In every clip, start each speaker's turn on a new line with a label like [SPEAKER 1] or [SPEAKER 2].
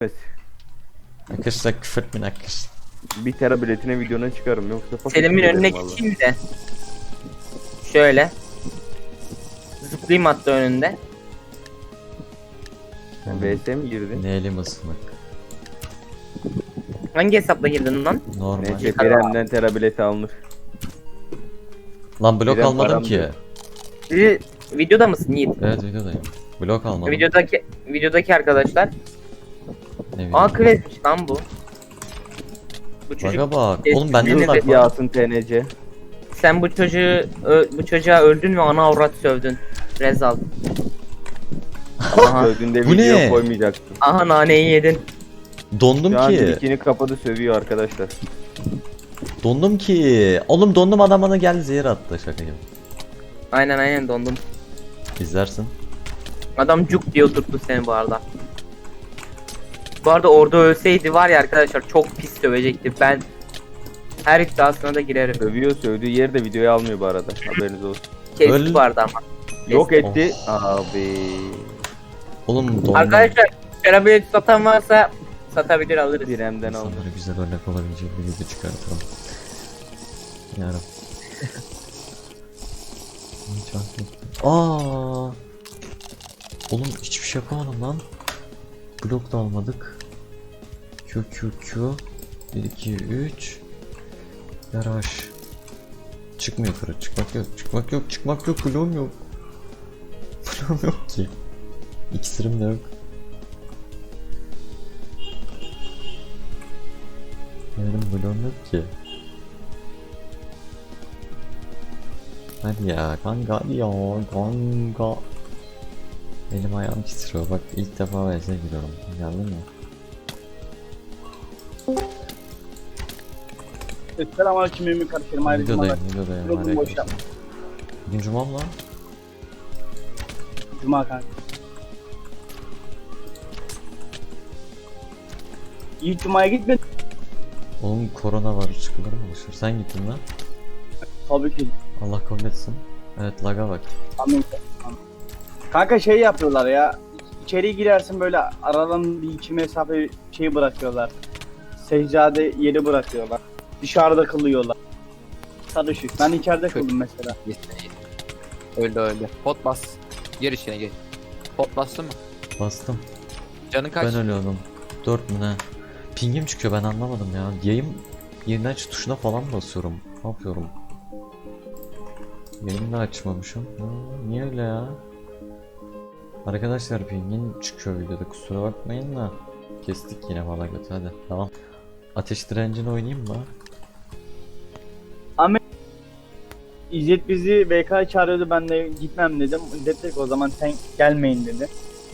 [SPEAKER 1] Evet.
[SPEAKER 2] Arkadaşlar küfür etmeyin arkadaşlar.
[SPEAKER 1] 1 tera biletine videona çıkarım yoksa
[SPEAKER 3] Selim'in önüne geçeyim de. Şöyle. Zıplayayım hatta önünde.
[SPEAKER 1] VS mi girdin?
[SPEAKER 2] Ne elim ısınık.
[SPEAKER 3] Hangi hesapla girdin lan?
[SPEAKER 2] Normal.
[SPEAKER 1] Neyse Kerem'den tera bileti alınır.
[SPEAKER 2] Lan blok
[SPEAKER 1] Kerem
[SPEAKER 2] almadım
[SPEAKER 1] param
[SPEAKER 2] ki.
[SPEAKER 1] diyor.
[SPEAKER 3] Videoda mısın Yiğit?
[SPEAKER 2] Evet videodayım. Blok almadım.
[SPEAKER 3] Videodaki arkadaşlar.
[SPEAKER 2] Ne
[SPEAKER 3] Aa
[SPEAKER 2] video?
[SPEAKER 3] klasmış lan bu. Bu çocuk
[SPEAKER 2] Baga bak.
[SPEAKER 3] Eski
[SPEAKER 2] Oğlum bende de
[SPEAKER 3] birine
[SPEAKER 2] lag var.
[SPEAKER 1] Yasın TNC.
[SPEAKER 3] sen bu çocuğa öldün ve ana avrat sövdün. Rezal. Aha.
[SPEAKER 1] Sövdüğünde
[SPEAKER 2] Bu
[SPEAKER 1] video
[SPEAKER 2] ne?
[SPEAKER 1] koymayacaktım.
[SPEAKER 3] Aha naneyi yedin.
[SPEAKER 2] Dondum
[SPEAKER 1] Şu an
[SPEAKER 2] ki.
[SPEAKER 1] dikini kapadı sövüyor arkadaşlar.
[SPEAKER 2] Dondum ki. Oğlum dondum, adam bana geldi zehir attı, şaka gibi.
[SPEAKER 3] Aynen dondum.
[SPEAKER 2] İzlersin.
[SPEAKER 3] Adam cuk diye oturttu seni bu arada. Bu arada orada ölseydi var ya arkadaşlar çok pis sövecekti. Ben her iddiasına da girerim.
[SPEAKER 1] Sövüyor, sövdüğü yeri de videoya almıyor bu arada. Haberiniz olsun.
[SPEAKER 3] Kestik
[SPEAKER 2] Öl-
[SPEAKER 3] bu arada ama.
[SPEAKER 1] Yok etti. Abi.
[SPEAKER 2] Oğlum dondum.
[SPEAKER 3] Arkadaşlar şarabı satan varsa satabilir alırız.
[SPEAKER 1] Diremden aldı.
[SPEAKER 2] İnsanlara güzel örnek olabilecek bir video çıkartalım. Yarım. Hiç aklı- Aa. Oğlum hiçbir şey yapamadım lan. Blok da almadık. Q. 1 2 3. Garaj. Çıkmıyor yukarı. Çıkmak yok. Bloğum yok. Bloğum yok ki. İksirim de yok. Benim bloğum yok ki. Hadi ya kanka, hadi ya kanka. Elim ayağım titriyor, bak ilk defa VS'e giriyorum. Geldin mi?
[SPEAKER 4] Selamünaleyküm Mümin kardeşlerim. Ayrıca
[SPEAKER 2] Videodayım.
[SPEAKER 4] Yolum
[SPEAKER 2] Hadi
[SPEAKER 4] boş
[SPEAKER 2] arkadaşlar.
[SPEAKER 4] yapma.
[SPEAKER 2] Bugün cumam lan.
[SPEAKER 4] Cuma kanka. İlk Cuma'ya gitmedin.
[SPEAKER 2] Oğlum korona var, çıkılır mı dışarı? Sen gittin lan.
[SPEAKER 4] Tabii ki.
[SPEAKER 2] Allah kabul etsin. Evet, laga bak.
[SPEAKER 4] Amin. Kanka şey yapıyorlar ya. İçeri girersin böyle aradan bir 2 mesafe şey bırakıyorlar. Seccade yeri bırakıyorlar. Dışarıda kılıyorlar. Karışık. Ben içeride kıldım mesela.
[SPEAKER 5] Öyle. Pot bas. Gir içine gir. Pot bastın mı?
[SPEAKER 2] Bastım.
[SPEAKER 5] Canı kaç?
[SPEAKER 2] Ben ölüyordum. 4 mü ne? Pingim çıkıyor, ben anlamadım ya. Yayın yeniden aç tuşuna falan basıyorum. Ne yapıyorum? Yayını da açmamışım. Niye öyle ya? Arkadaşlar pingin çıkıyor videoda, kusura bakmayın da. Kestik yine valla götü, hadi tamam. Ateş direncini oynayayım mı?
[SPEAKER 4] İzzet bizi BK çağırıyordu, ben de gitmem dedim. İzzet dedi ki o zaman sen gelmeyin dedi.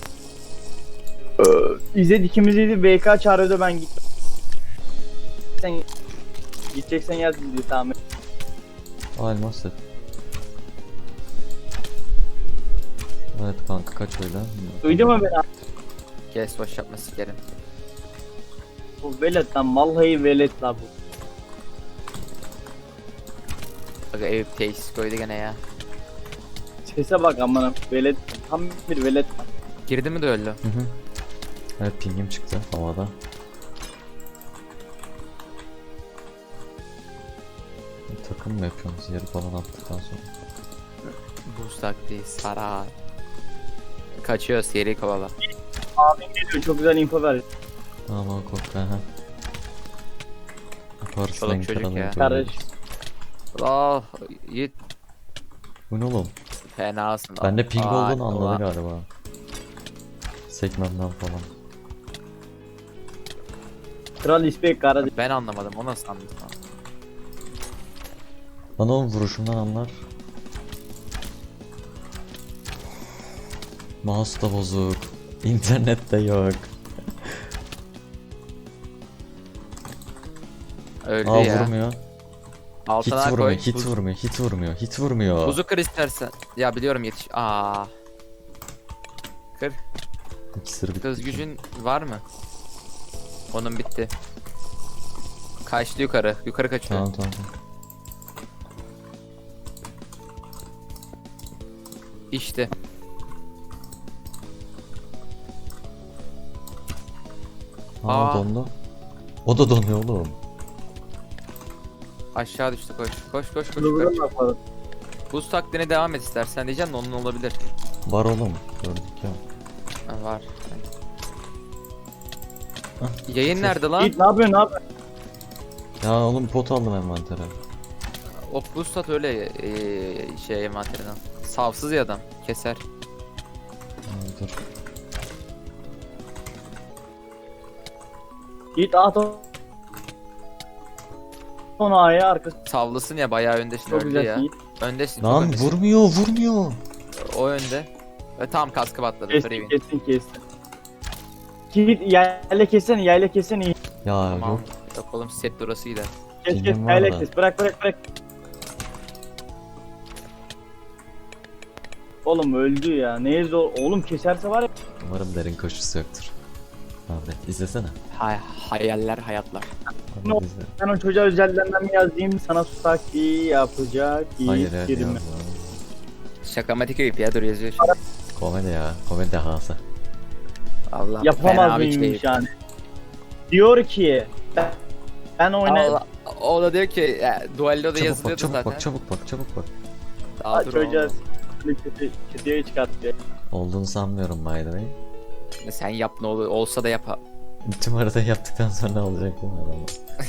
[SPEAKER 4] İzzet ikimizi BK çağırıyordu, ben gitmem. Sen gideceksen yaz dedi, tamam.
[SPEAKER 2] Elmas set. Evet kanka, kaç öyle?
[SPEAKER 4] Duydun mu beni?
[SPEAKER 5] Kes boş yapma sikerim.
[SPEAKER 4] Bu velet lan, vallahi velet lan bu.
[SPEAKER 5] Aga Eyüp tesis koydu gene ya.
[SPEAKER 4] Sese bak amına, velet, tam bir velet lan.
[SPEAKER 5] Girdi mi de öldü?
[SPEAKER 2] Hı hı. Evet pingim çıktı havada. Takım mı yapıyoruz yeri falan attıktan sonra?
[SPEAKER 5] Boost taktiği saray. Kaçıyor seri kovala.
[SPEAKER 4] Abim geliyor, çok güzel info ver.
[SPEAKER 2] Ama korktu ha. Yaparsın
[SPEAKER 5] Çoluk
[SPEAKER 2] en
[SPEAKER 5] çocuk
[SPEAKER 2] karanlık
[SPEAKER 5] ya.
[SPEAKER 2] öyle.
[SPEAKER 4] Kardeş.
[SPEAKER 5] Oh Yiğit
[SPEAKER 2] Bu ne oğlum?
[SPEAKER 5] fenasın.
[SPEAKER 2] Bende ping
[SPEAKER 5] Aa,
[SPEAKER 2] olduğunu anladı
[SPEAKER 5] ulan.
[SPEAKER 2] galiba. Sekmemden falan.
[SPEAKER 4] Kral İspek kardeş.
[SPEAKER 5] Ben anlamadım, o nasıl anladın lan?
[SPEAKER 2] Bana oğlum vuruşumdan anlar. Mouse da bozuk. İnternet de yok.
[SPEAKER 5] Öldü
[SPEAKER 2] Aa
[SPEAKER 5] ya.
[SPEAKER 2] vurmuyor.
[SPEAKER 5] Altına
[SPEAKER 2] Hit vurmuyor,
[SPEAKER 5] koy.
[SPEAKER 2] hit vurmuyor, hit vurmuyor, hit vurmuyor.
[SPEAKER 5] Buzu kır istersen. Ya biliyorum yetiş. Aa. Kır.
[SPEAKER 2] İkisini bitti.
[SPEAKER 5] Kız gücün var mı? Onun bitti. Kaçtı yukarı. Yukarı kaçıyor.
[SPEAKER 2] Tamam.
[SPEAKER 5] İşte.
[SPEAKER 2] Aa,
[SPEAKER 5] Aa.
[SPEAKER 2] dondu. O da donuyor oğlum.
[SPEAKER 5] Aşağı düştü koş. Koş koş koş.
[SPEAKER 4] Hızlı
[SPEAKER 5] koş.
[SPEAKER 4] bakalım.
[SPEAKER 5] Buz taktiğine devam et istersen diyeceğim de onun olabilir.
[SPEAKER 2] Var oğlum. Gördük ya.
[SPEAKER 5] Ha, var. Yayın nerede lan?
[SPEAKER 4] Yiğit ne yapıyorsun ne yapıyorsun?
[SPEAKER 2] Ya oğlum pot aldım envantere.
[SPEAKER 5] O buz tat öyle şey envanterinden. Savsız ya adam. Keser.
[SPEAKER 2] Dur.
[SPEAKER 4] Yiğit at onu A'ya arkası.
[SPEAKER 5] Savlısın ya bayağı öndesin
[SPEAKER 4] Çok
[SPEAKER 5] öldü
[SPEAKER 4] güzel
[SPEAKER 5] ya.
[SPEAKER 4] Yiğit.
[SPEAKER 5] Öndesin. çok
[SPEAKER 2] Lan
[SPEAKER 5] öndesin.
[SPEAKER 2] vurmuyor.
[SPEAKER 5] O önde. Ve tam kaskı patladı.
[SPEAKER 4] Kestin
[SPEAKER 5] Free'in.
[SPEAKER 4] kestin. Yiğit yayla kessene Yiğit.
[SPEAKER 2] Ya
[SPEAKER 5] Tamam.
[SPEAKER 2] yok.
[SPEAKER 5] Yok oğlum set durası gider.
[SPEAKER 4] Kes
[SPEAKER 2] Pingim var
[SPEAKER 4] yayla
[SPEAKER 2] da.
[SPEAKER 4] kes bırak. Oğlum öldü ya. Neye zor? Oğlum keserse var ya.
[SPEAKER 2] Umarım derin koşusu yoktur. Abi izlesene.
[SPEAKER 5] Hayaller hayatlar.
[SPEAKER 2] Abi
[SPEAKER 4] No.
[SPEAKER 2] izle.
[SPEAKER 4] Ben o çocuğa özelden mi yazayım sana susaki yapacak
[SPEAKER 2] Hayır
[SPEAKER 4] Yiğit
[SPEAKER 2] evet
[SPEAKER 4] girme.
[SPEAKER 2] ya.
[SPEAKER 5] Şakamatik öykü ya dur yazıyor şimdi.
[SPEAKER 2] Komedi ya. Komedi dehası.
[SPEAKER 5] Allah
[SPEAKER 4] Yapamaz
[SPEAKER 5] fena bir
[SPEAKER 4] mıymış
[SPEAKER 5] şey.
[SPEAKER 4] yani. Diyor ki ben oyna
[SPEAKER 5] Allah, o da diyor ki duelloda
[SPEAKER 2] Çabuk
[SPEAKER 5] yazılıyordu
[SPEAKER 2] bak çabuk
[SPEAKER 5] zaten.
[SPEAKER 2] bak çabuk bak.
[SPEAKER 5] Daha dur
[SPEAKER 4] çocuğa
[SPEAKER 5] oğlum.
[SPEAKER 4] kötüye çıkarttı.
[SPEAKER 2] Olduğunu sanmıyorum by the way.
[SPEAKER 5] Sen yap ne olur olsa da yap.
[SPEAKER 2] Tüm haritayı yaptıktan sonra ne olacak değil mi adamı?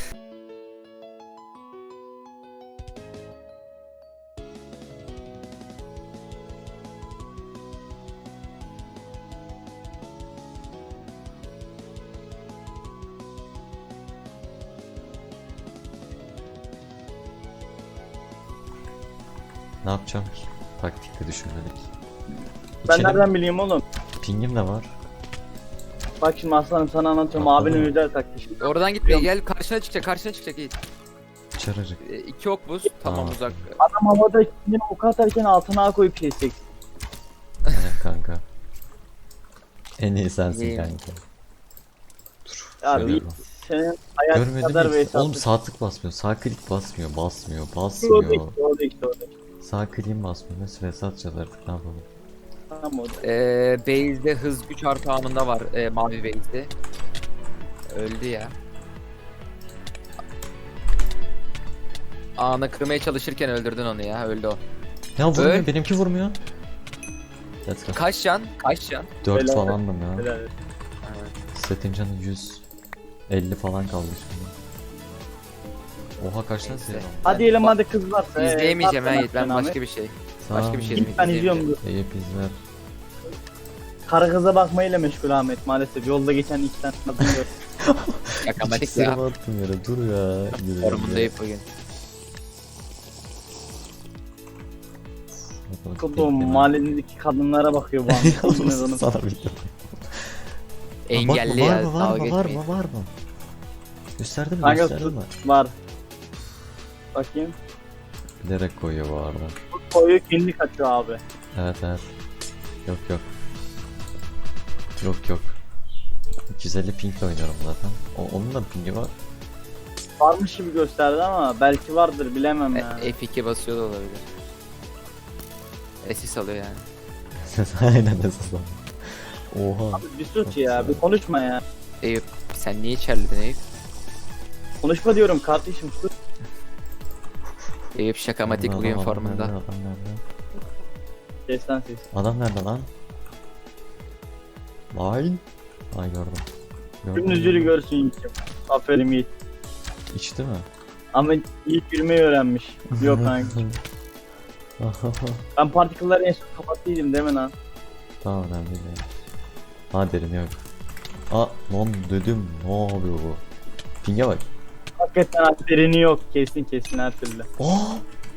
[SPEAKER 2] Ne yapacağım ki? Taktikte düşünmedik.
[SPEAKER 4] Ben
[SPEAKER 2] İçelim.
[SPEAKER 4] nereden bileyim oğlum?
[SPEAKER 2] Pingim de var.
[SPEAKER 4] Bak şimdi aslanım sana anlatıyorum
[SPEAKER 2] Bak,
[SPEAKER 4] abinin
[SPEAKER 2] bak.
[SPEAKER 4] özel taktiği.
[SPEAKER 5] Oradan gitme gel karşına çıkacak iyi.
[SPEAKER 2] Çararık.
[SPEAKER 5] 2 ok buz tamam
[SPEAKER 2] Tamam.
[SPEAKER 5] uzak.
[SPEAKER 4] Adam havada kendini ok atarken altına A koyup kesecek.
[SPEAKER 2] Evet kanka. En iyi sensin
[SPEAKER 5] İyiyim.
[SPEAKER 2] kanka.
[SPEAKER 4] Abi
[SPEAKER 2] Şöyle bak.
[SPEAKER 4] senin hayat kadar
[SPEAKER 2] Görmedim
[SPEAKER 4] ve
[SPEAKER 2] hiç. Oğlum
[SPEAKER 4] hesaplı.
[SPEAKER 2] sağ tık basmıyor. Sağ klik basmıyor.
[SPEAKER 4] Orada
[SPEAKER 2] Basmıyor.
[SPEAKER 4] işte.
[SPEAKER 2] Sağ kliğim basmıyor. Nasıl reset atacağız artık ne yapalım?
[SPEAKER 4] Tamam orada.
[SPEAKER 5] Base'de hız güç artı anında var mavi base'de. Öldü ya. Anı kırmaya çalışırken öldürdün onu ya öldü o.
[SPEAKER 2] Ya vurmuyor.
[SPEAKER 5] Öl.
[SPEAKER 2] Benimki vurmuyor. Let's go.
[SPEAKER 5] Kaç can? 4
[SPEAKER 2] 4
[SPEAKER 4] Helal.
[SPEAKER 2] falandım ya.
[SPEAKER 4] Helal.
[SPEAKER 2] Setin canı 100. 50 falan kaldı şimdi. Oha kaç lan
[SPEAKER 5] Neyse.
[SPEAKER 2] senin?
[SPEAKER 4] Hadi elim hadi kızlar.
[SPEAKER 5] İzleyemeyeceğim ben Yiğit ben başka bir şey. Başka bir şey
[SPEAKER 4] Git ben izliyorum.
[SPEAKER 2] Eyüp izler.
[SPEAKER 4] Karı kıza bakmayla meşgul Ahmet maalesef. Yolda geçen iki tane kadın gördüm.
[SPEAKER 5] Şakamatik
[SPEAKER 2] İkisini
[SPEAKER 5] ya.
[SPEAKER 2] attım yere dur ya. Gidelim ya.
[SPEAKER 5] Formundayım bugün.
[SPEAKER 2] Bakalım,
[SPEAKER 4] Bu
[SPEAKER 2] bekleme.
[SPEAKER 4] mahalledeki kadınlara bakıyor bu an.
[SPEAKER 2] Sana bir de.
[SPEAKER 5] Engelli
[SPEAKER 2] Var
[SPEAKER 5] ya
[SPEAKER 2] mı
[SPEAKER 5] dalga geçmeyin.
[SPEAKER 2] var mı? Gösterdi mi
[SPEAKER 4] Kanka
[SPEAKER 2] gösterdi
[SPEAKER 4] sus.
[SPEAKER 2] mi?
[SPEAKER 4] Var. Bakayım.
[SPEAKER 2] Bilerek koyuyor bu arada.
[SPEAKER 4] Bu koyu kendi kaçıyor abi.
[SPEAKER 2] Evet. Yok. Yok. 250 pingle oynuyorum zaten. Onun da pingi var.
[SPEAKER 4] Varmış gibi gösterdi ama belki vardır bilemem yani.
[SPEAKER 5] F2 basıyor da olabilir. Sis alıyor yani.
[SPEAKER 2] Aynen esas. Oha.
[SPEAKER 4] Bir sus ya bir konuşma ya.
[SPEAKER 5] Eyüp sen niye içerledin Eyüp?
[SPEAKER 4] Konuşma diyorum kardeşim sus.
[SPEAKER 5] Eyüp şakamatik
[SPEAKER 2] Adam
[SPEAKER 5] bugün
[SPEAKER 2] nerede,
[SPEAKER 5] formunda.
[SPEAKER 2] Adam nerede?
[SPEAKER 4] Ses lan ses.
[SPEAKER 2] Adam nerede lan? Vay. Ay gördüm.
[SPEAKER 4] Tüm yüzünü görsün Yiğit'im. Aferin Yiğit.
[SPEAKER 2] İçti mi?
[SPEAKER 4] Ama Yiğit yürümeyi öğrenmiş. Yok kanka. Ben partikülleri en son kapattıydım değil mi lan?
[SPEAKER 2] Tamam önemli değil. Ha derin yok. Aa lan dedim ne yapıyor bu? Ping'e bak.
[SPEAKER 4] Hakikaten derini yok. Kesin her türlü.
[SPEAKER 2] Aa!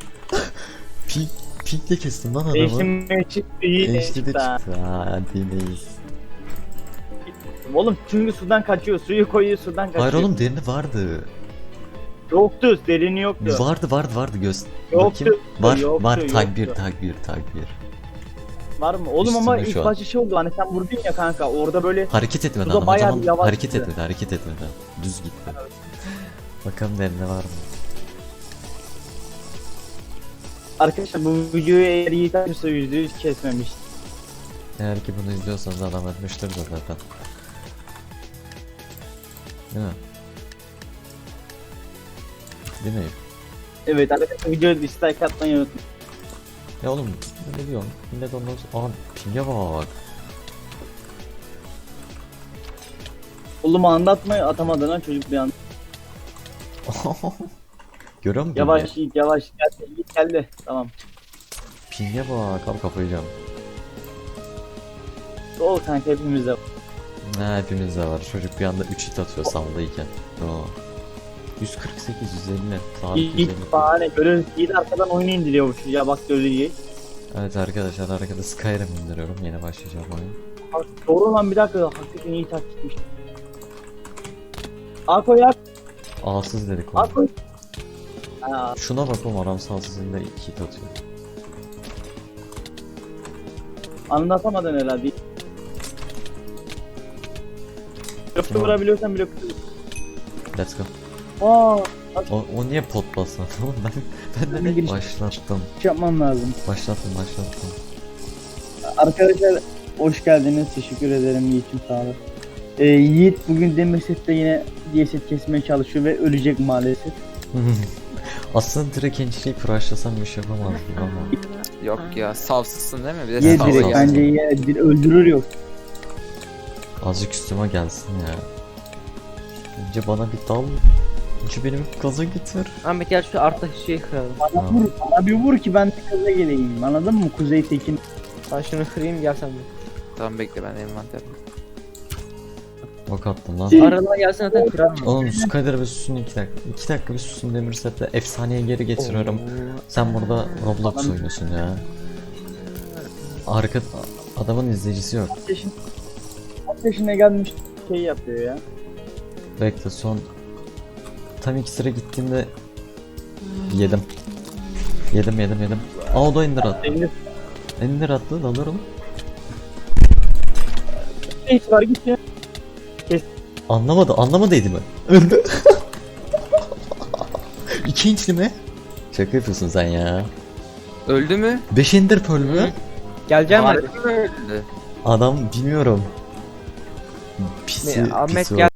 [SPEAKER 2] Ping'le kestim lan adamı.
[SPEAKER 4] Değiştirmeye çıktı Yiğit.
[SPEAKER 2] HD de
[SPEAKER 4] çıktı ha.
[SPEAKER 2] çıktı. Ha değiliz.
[SPEAKER 4] Oğlum çünkü sudan kaçıyor. Suyu koyuyor sudan kaçıyor.
[SPEAKER 2] Hayır oğlum derini vardı.
[SPEAKER 4] Yoktu. Derini yoktu.
[SPEAKER 2] Vardı
[SPEAKER 4] Yoktu.
[SPEAKER 2] Bakayım. Var
[SPEAKER 4] Yoktu,
[SPEAKER 2] tag 1
[SPEAKER 4] yoktu.
[SPEAKER 2] tag 1.
[SPEAKER 4] Var mı? Oğlum ama
[SPEAKER 2] Üstünde şu
[SPEAKER 4] ilk
[SPEAKER 2] an.
[SPEAKER 4] başta şey oldu. Hani sen vurdun ya kanka. Orada böyle
[SPEAKER 2] Hareket etmedi
[SPEAKER 4] Suda
[SPEAKER 2] adam o
[SPEAKER 4] bayağı
[SPEAKER 2] zaman
[SPEAKER 4] bir yavaş
[SPEAKER 2] hareket
[SPEAKER 4] gitti.
[SPEAKER 2] etmedi. Düz gitti. Bakalım derinde var mı?
[SPEAKER 4] arkadaşlar bu videoyu eğer Yiğit açırsa %100 kesmemiş.
[SPEAKER 2] Eğer ki bunu izliyorsanız adam etmiştir de zaten. Değil mi? Değil mi?
[SPEAKER 4] Evet arkadaşlar videoya dislike atmayı unutmayın.
[SPEAKER 2] Ya oğlum ne diyorsun? Millet ondan sonra... Aa pinge bak.
[SPEAKER 4] Oğlum anlatmayı atamadı lan çocuk bir an.
[SPEAKER 2] Görüyor musun?
[SPEAKER 4] Yavaş Yiğit yavaş. Yiğit geldi. Tamam.
[SPEAKER 2] Pinge bak abi kafayı yiyeceğim.
[SPEAKER 4] Ol kanka hepimizde.
[SPEAKER 2] Ne hepimizde var. Çocuk bir anda 3 hit atıyor saldayken. Oo. 148, 150. Sabit 150.
[SPEAKER 4] Yiğit bahane görüyoruz. Yiğit arkadan oyunu indiriyormuş. Ya bak göreceğiz.
[SPEAKER 2] Evet arkadaşlar arkada Skyrim indiriyorum. Yeni başlayacağım oyun.
[SPEAKER 4] Bak, doğru lan bir dakika. Hakikaten iyi taktikmiş. Ako ya.
[SPEAKER 2] Ağsız dedik oğlum.
[SPEAKER 4] Ako. Ha,
[SPEAKER 2] Şuna bak oğlum adam sağsızında 2 hit atıyor.
[SPEAKER 4] anlatamadın herhalde. Blokta
[SPEAKER 2] Tamam.
[SPEAKER 4] vurabiliyorsan blokta.
[SPEAKER 2] Let's go.
[SPEAKER 4] Aa,
[SPEAKER 2] O niye pot basmadı oğlum ben de
[SPEAKER 4] Bir giriş-
[SPEAKER 2] başlattım.
[SPEAKER 4] yapmam lazım.
[SPEAKER 2] Başlattım.
[SPEAKER 4] Arkadaşlar hoş geldiniz. Teşekkür ederim Yiğit'im sağ olun. Yiğit bugün Demirset'te yine DSet kesmeye çalışıyor ve ölecek maalesef.
[SPEAKER 2] Aslında direkt ençliği crushlasam bir şey yapamazdım ama.
[SPEAKER 5] Yok ya savsızsın değil mi? Bir de
[SPEAKER 4] Ye
[SPEAKER 2] sağ ol,
[SPEAKER 4] direkt
[SPEAKER 2] sağ ol.
[SPEAKER 4] bence ye öldürür yok.
[SPEAKER 2] Azıcık üstüme gelsin ya. Önce bana bir dal. Önce benim gaza getir.
[SPEAKER 3] Ahmet gel şu arttaki şeyi kıralım.
[SPEAKER 4] Bana
[SPEAKER 2] Tamam.
[SPEAKER 4] vur, bana bir vur ki ben de kaza geleyim. Anladın mı Kuzey Tekin?
[SPEAKER 3] Ben şunu kırayım gel sen de.
[SPEAKER 5] Tamam bekle ben envanter.
[SPEAKER 2] Ok attım lan.
[SPEAKER 3] Aralığına gelsin zaten kırarım.
[SPEAKER 2] Oğlum şu kadar bir susun 2 dakika. 2 dakika bir susun Demirset'le efsaneye geri getiriyorum. Sen burada Roblox oynuyorsun ya. Arka adamın izleyicisi yok.
[SPEAKER 4] Kaç yaşına gelmiş şey yapıyor ya.
[SPEAKER 2] Bekle son tam 2 sıra gittiğimde yedim. Yedim. Aa o da ender attı.
[SPEAKER 4] Elinde
[SPEAKER 2] Ender attı dalıyorum.
[SPEAKER 4] hiç var git ya.
[SPEAKER 2] Anlamadıydı mı? Öldü. 2 inçli mi? Şaka yapıyorsun sen ya.
[SPEAKER 5] Öldü mü?
[SPEAKER 2] 5 ender pearl mü?
[SPEAKER 3] Geleceğim
[SPEAKER 5] Harbi
[SPEAKER 3] hadi.
[SPEAKER 5] mi öldü?
[SPEAKER 2] Adam bilmiyorum. Pisi,
[SPEAKER 3] Ahmet
[SPEAKER 2] pisi
[SPEAKER 3] gel.